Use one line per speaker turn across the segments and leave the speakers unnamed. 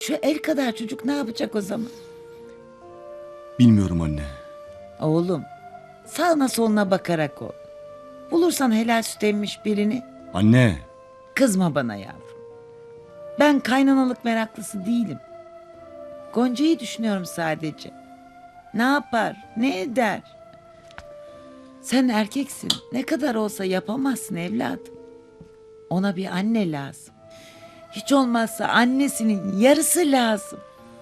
Şu el kadar çocuk ne yapacak o zaman?
Bilmiyorum anne.
Oğlum, sağına soluna bakarak ol. Bulursan helal süt emmiş birini,
Anne.
kızma bana yavrum. Ben kaynanalık meraklısı değilim. Gonca'yı düşünüyorum sadece. Ne yapar, ne eder? Sen erkeksin, ne kadar olsa yapamazsın evladım. Ona bir anne lazım. Hiç olmazsa annesinin yarısı lazım.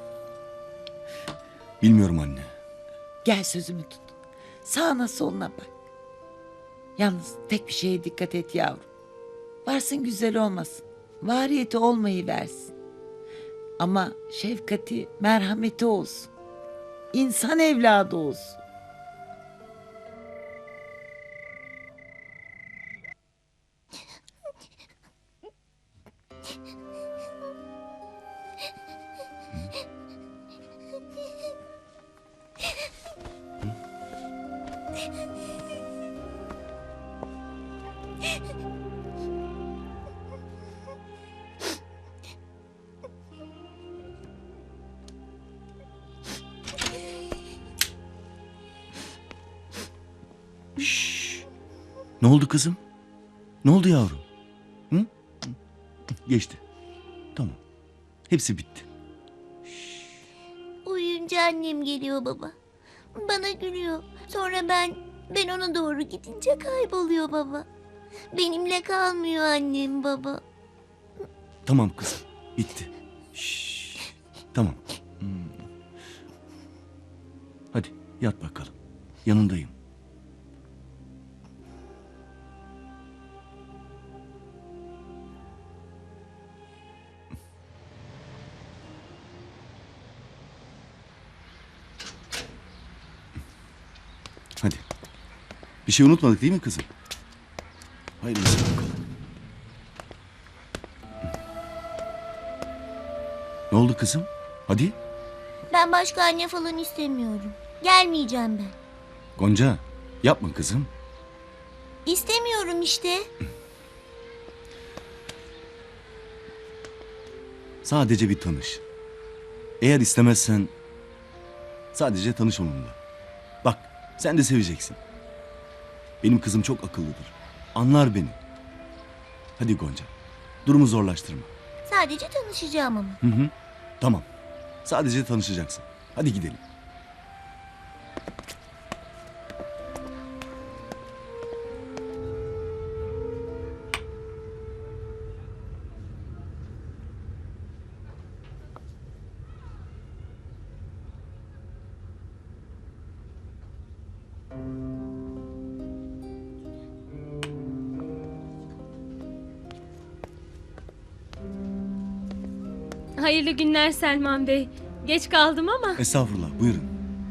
Bilmiyorum anne.
Gel sözümü tut. Sağına soluna bak. Yalnız tek bir şeye dikkat et yavrum. Varsın güzel olmasın. Variyeti olmayı versin. Ama şefkati, merhameti olsun. İnsan evladı olsun.
Ne oldu kızım? Ne oldu yavrum? Hı? Geçti. Tamam. Hepsi bitti.
Uyuyunca annem geliyor baba. Bana gülüyor. Sonra ben ona doğru gidince kayboluyor baba. Benimle kalmıyor annem baba.
Tamam kızım. Bitti. Tamam. Hadi yat bakalım. Yanındayım. Hadi. Bir şey unutmadık değil mi kızım? Hayırlısı bakalım. Ne oldu kızım? Hadi.
Ben başka anne falan istemiyorum. Gelmeyeceğim ben.
Gonca yapma kızım.
İstemiyorum işte.
Sadece bir tanış. Eğer istemezsen sadece tanış onunla. Bak sen de seveceksin. Benim kızım çok akıllıdır. Anlar beni. Hadi Gonca. Durumu zorlaştırma.
Sadece tanışacağım ama.
Hı hı. Tamam. Sadece tanışacaksın. Hadi gidelim.
Hayırlı günler Selman Bey. Geç kaldım ama.
Estağfurullah. Buyurun.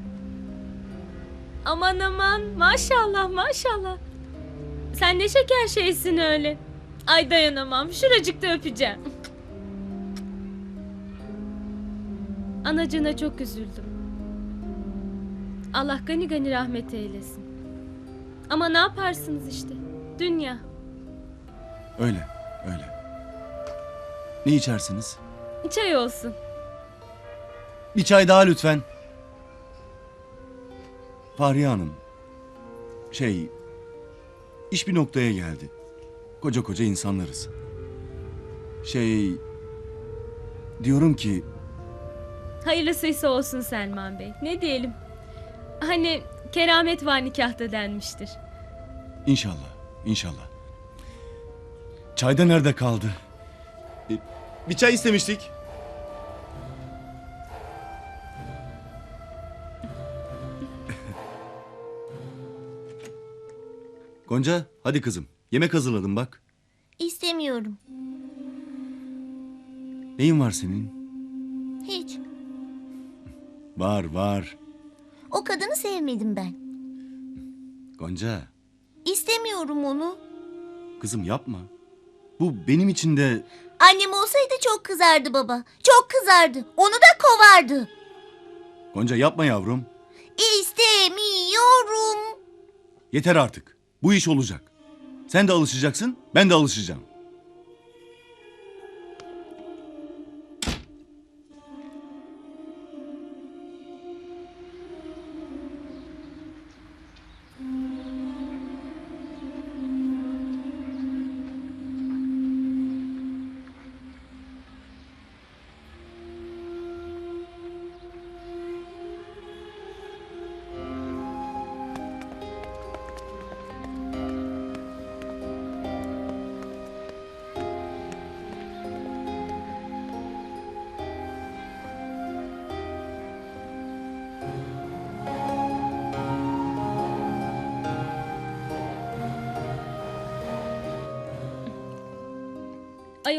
Aman aman maşallah maşallah. Sen ne şeker şeysin öyle. Ay dayanamam. Şuracıkta öpeceğim. Anacığına çok üzüldüm. Allah gani gani rahmet eylesin. Ama ne yaparsınız işte. Dünya.
Öyle. Öyle. Ne içersiniz?
Çay olsun.
Bir çay daha lütfen. Fahriye Hanım. İş bir noktaya geldi. Koca koca insanlarız. Diyorum ki
Hayırlısıysa olsun Selman Bey. Ne diyelim? Hani keramet var nikahta denmiştir.
inşallah, inşallah. Çay da nerede kaldı? Bir çay istemiştik. Gonca, hadi kızım. Yemek hazırladım bak.
İstemiyorum.
Neyin var senin?
Hiç.
Var, var.
O kadını sevmedim ben.
Gonca,
İstemiyorum onu.
kızım yapma. Bu benim için de...
Annem olsaydı çok kızardı baba. Çok kızardı. Onu da kovardı.
Gonca yapma yavrum.
İstemiyorum.
Yeter artık. Bu iş olacak. Sen de alışacaksın, ben de alışacağım.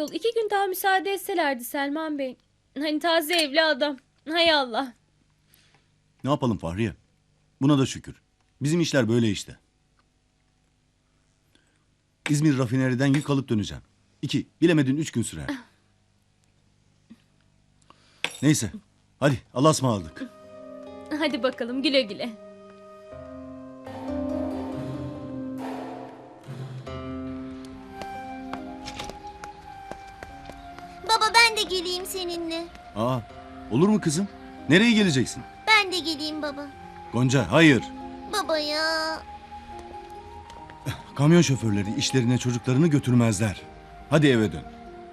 ayol 2 gün daha müsaade etselerdi Selman Bey. Hani taze evli adam. Hay Allah.
Ne yapalım Fahriye? Buna da şükür. Bizim işler böyle işte. İzmir rafineriden yük alıp döneceğim. 2, bilemedin 3 gün sürer. Neyse. Hadi Allah'a ısmarladık.
Hadi bakalım güle güle.
Baba ben de geleyim seninle.
Aa, olur mu kızım? Nereye geleceksin?
Ben de geleyim baba.
Gonca, hayır.
Baba ya.
Kamyon şoförleri işlerine çocuklarını götürmezler. Hadi eve dön.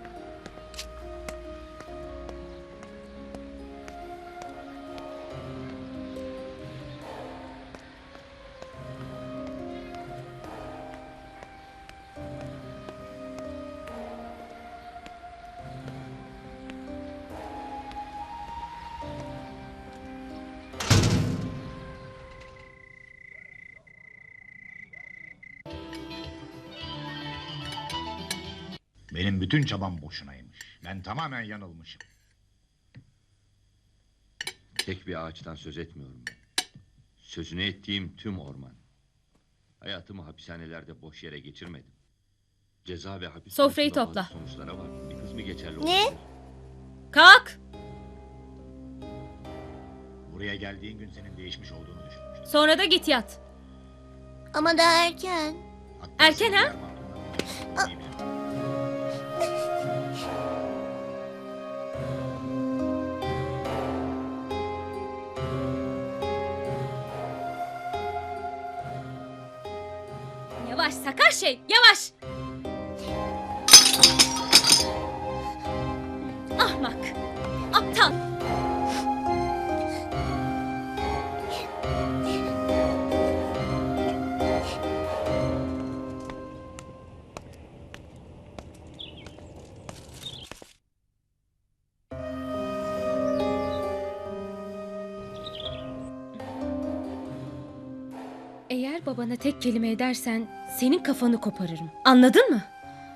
Benim bütün çabam boşunaymış. Ben tamamen yanılmışım.
Tek bir ağaçtan söz etmiyorum ben. Sözünü ettiğim tüm orman. Hayatımı hapishanelerde boş yere geçirmedim. Ceza ve hapis
Sofrayı
konusunda
topla.
bazı sonuçlara var. Bir kısmı geçerli
Ne?
olabilir.
Kalk.
Buraya geldiğin gün senin değişmiş olduğunu düşünmüştüm.
Sonra da git yat.
Ama daha erken.
Hatta
Erken
seni
ha?
yer altından oynayabilirim.
Yavaş sakar şey yavaş. Ahmak. Aptal. Eğer babana tek kelime edersen senin kafanı koparırım. Anladın mı?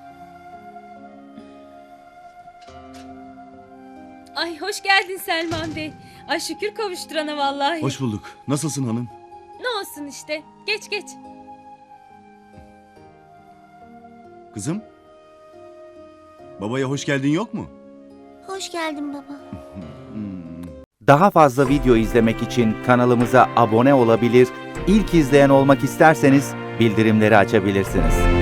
Ay hoş geldin Selman Bey. Ay şükür kavuşturana vallahi.
Hoş bulduk. Nasılsın hanım?
Ne olsun işte. Geç geç.
Kızım? Babaya hoş geldin yok mu?
Hoş geldin baba.
Daha fazla video izlemek için kanalımıza abone olabilir, ilk izleyen olmak isterseniz bildirimleri açabilirsiniz.